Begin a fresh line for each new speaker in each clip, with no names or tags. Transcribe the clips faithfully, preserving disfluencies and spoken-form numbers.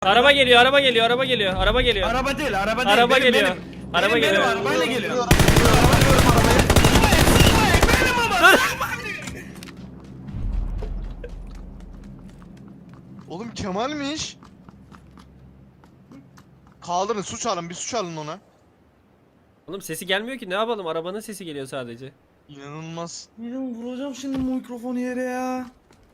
Araba geliyor, araba geliyor, araba geliyor, araba geliyor.
Araba değil, araba değil.
Araba
benim,
geliyor.
Benim.
Araba
benim,
geliyor.
Benim arabayla geliyor.
Araba görüyorum arabayı.
Benim ama.
Oğlum Kemal'miş. Kaldırın su çalın, bir su çalın ona.
Oğlum sesi gelmiyor ki, ne yapalım? Arabanın sesi geliyor sadece.
İnanılmaz.
Benim vuracağım şimdi mikrofonu yere ya.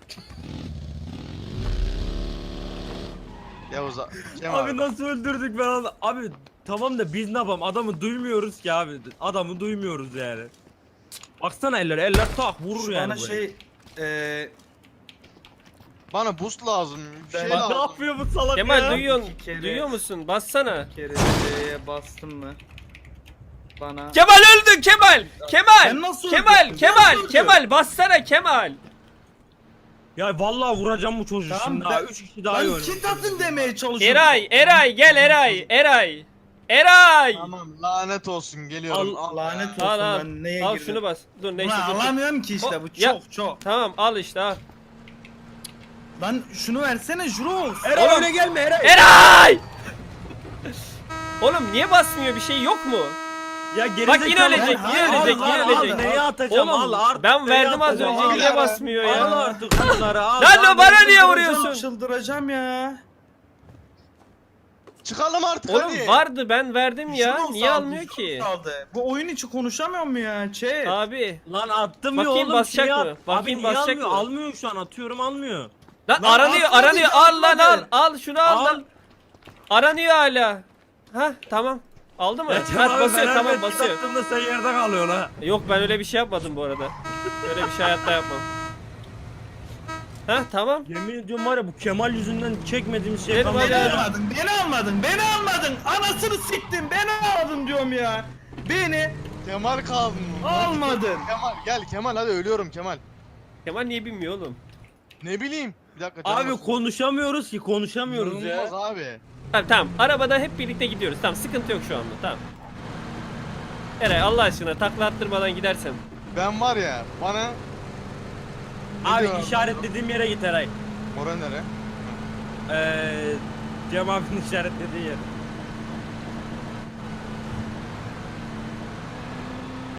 Yavuz a- Kemal.
Abi nasıl öldürdük ben onu? Abi tamam da biz ne yapalım? Adamı duymuyoruz ki abi. Adamı duymuyoruz yani. Baksana eller, eller tak vurur
Şu
yani.
bana
böyle.
şey eee
Bana boost lazım. Bir şey
Ben-
Bak
lazım.
ne yapıyor bu salak
Kemal
ya?
duyuyorsun,
İki kere-
duyuyor musun? Bassana.
bir kere C'ye bastım mı? Bana.
Kemal öldü, Kemal! Kemal!
Ben nasıl
Kemal,
öldüm?
Kemal,
Nasıl öldüm?
Kemal, bassana Kemal!
Ya vallahi vuracağım bu çocuğu
Tamam,
şimdi
ben-
ha. Üç kişi daha iyi
Ben
oynuyor.
kit atın demeye çalışıyorum.
Eray, Eray, gel Eray, Eray! Eray!
Tamam lanet olsun geliyorum.
Al, lanet olsun
Al al,
ben neye
al
girdim.
şunu bas. Dur neyse
Ulan
dur. dur.
alamıyorum ki işte
O-
bu
ya-
çok çok.
Tamam al işte al.
Lan şunu versene Jurox.
Eray
Oğlum-
öyle gelme Eray.
Eray! Oğlum niye basmıyor, bir şey yok mu?
Ya geri
Bak yine ölecek,
Ben-
yine
Al,
ölecek,
al,
yine
al,
ölecek.
al.
Neye atacağım?
Oğlum
al artık.
ben
neye
verdim az
atacağım?
önce,
Al
niye
ya.
basmıyor
Al
ya?
artık bunları al.
Lan
al.
o bana niye
Çıldıracağım,
vuruyorsun?
Çıldıracağım ya.
Çıkalım artık
Oğlum
hadi.
vardı, ben verdim ya,
Jurox
niye
aldı,
almıyor
Jurox
ki?
aldı. Bu oyun içi konuşamıyor mu ya? Chat.
Abi.
Lan attım ya
Bakayım
oğlum.
basacak
şeye
mı?
at.
Bakayım
Abi niye
basacak
almıyor?
mı?
Almıyor şu an, atıyorum almıyor.
Lan,
Lan
aranıyor,
atmadı,
aranıyor. Al lan al.
atmadı.
Al şunu al,
Al.
lan. Aranıyor hala. Ha tamam. Aldı mı?
Ya
Ha
Kemal abi,
basıyor,
ben
tamam
Ahmet
basıyor.
attığımda sen yerde kalıyorsun ha.
Yok ben öyle bir şey yapmadım bu arada. Öyle bir şey hayatta yapmam. Ha tamam.
Yemin ediyorum var ya bu Kemal yüzünden çekmediğimiz şey
Benim
kalmadı.
Beni
hala-
almadın, beni almadın, beni almadın. Anasını siktin, beni almadın diyorum ya. Beni
Kemal kaldın mı?
almadın.
Kemal gel Kemal hadi ölüyorum Kemal.
Kemal niye bilmiyor oğlum?
Ne bileyim. Bir dakika. canım
Abi
olsun.
konuşamıyoruz ki konuşamıyoruz ya.
İnanılmaz abi.
Tamam tamam. Arabada hep birlikte gidiyoruz. Tamam sıkıntı yok şu anda. Tamam. Eray Allah aşkına takla attırmadan gidersen.
Ben var ya bana... Ne
Abi
diyor
işaretlediğim yere git Eray.
Oraya nere?
Eee Cem abinin işaretlediği yer.